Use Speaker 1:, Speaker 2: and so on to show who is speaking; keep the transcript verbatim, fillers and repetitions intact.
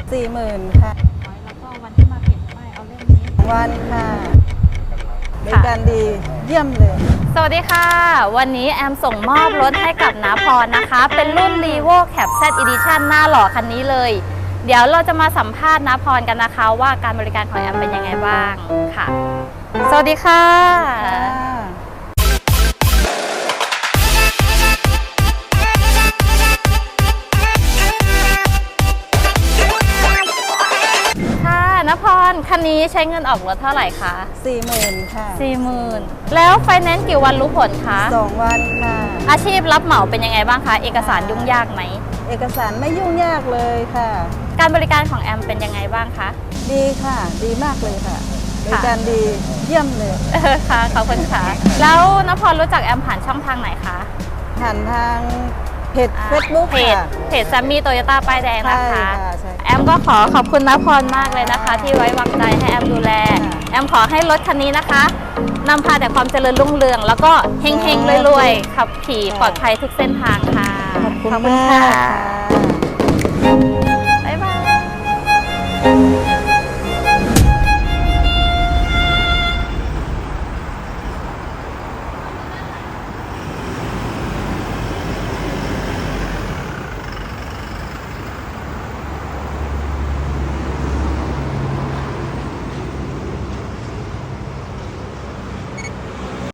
Speaker 1: สี่หมื่นค่ะ
Speaker 2: แล้วก็วันที่มาเก็บป้ายเอาเล่มนี้
Speaker 1: วันค่ะบริการดีเยี่ยมเลย
Speaker 2: สวัสดีค่ะวันนี้แอมส่งมอบรถให้กับน้าพรนะคะ เป็นรุ่น Revo Cab Z Edition หน้าหล่อคันนี้เลย เดี๋ยวเราจะมาสัมภาษณ์น้าพรกันนะคะว่าการบริการของแอมเป็นยังไงบ้างค่ะ สวัสดีค่ะนพรคันนี้ใช้เงินออกรถเท่าไหร่คะ
Speaker 1: สี่หมื่นค่ะ
Speaker 2: สี่หมื่นแล้วไฟแนนซ์กี่วันรู้ผลคะ
Speaker 1: สองวันค่ะ
Speaker 2: อาชีพรับเหมาเป็นยังไงบ้างคะเอกสารยุ่งยากไหม
Speaker 1: เอกสารไม่ยุ่งยากเลยค่ะ
Speaker 2: การบริการของแอมเป็นยังไงบ้างคะ
Speaker 1: ดีค่ะดีมากเลยค่ะบริการดีเยี่ยมเลย
Speaker 2: ค่ะขอบคุณค่ะแล้วนพรรู้จักแอมผ่านช่องทางไหนคะ
Speaker 1: ผ่านทางเพจเฟซบุ๊ก
Speaker 2: เพจเพจแซมมี่โตโยต้าป้ายแดงนะคะแอมก็ขอขอบคุณนพรมากเลยนะคะที่ไว้วางใจให้แอมดูแลแอมขอให้รถคันนี้นะคะนำพาแต่ความเจริญรุ่งเรืองแล้วก็เฮงๆรวยๆขับขี่ปลอดภัยทุกเส้นทางค่ะ
Speaker 1: ขอบคุณค่ะ
Speaker 2: บ๊ายบาย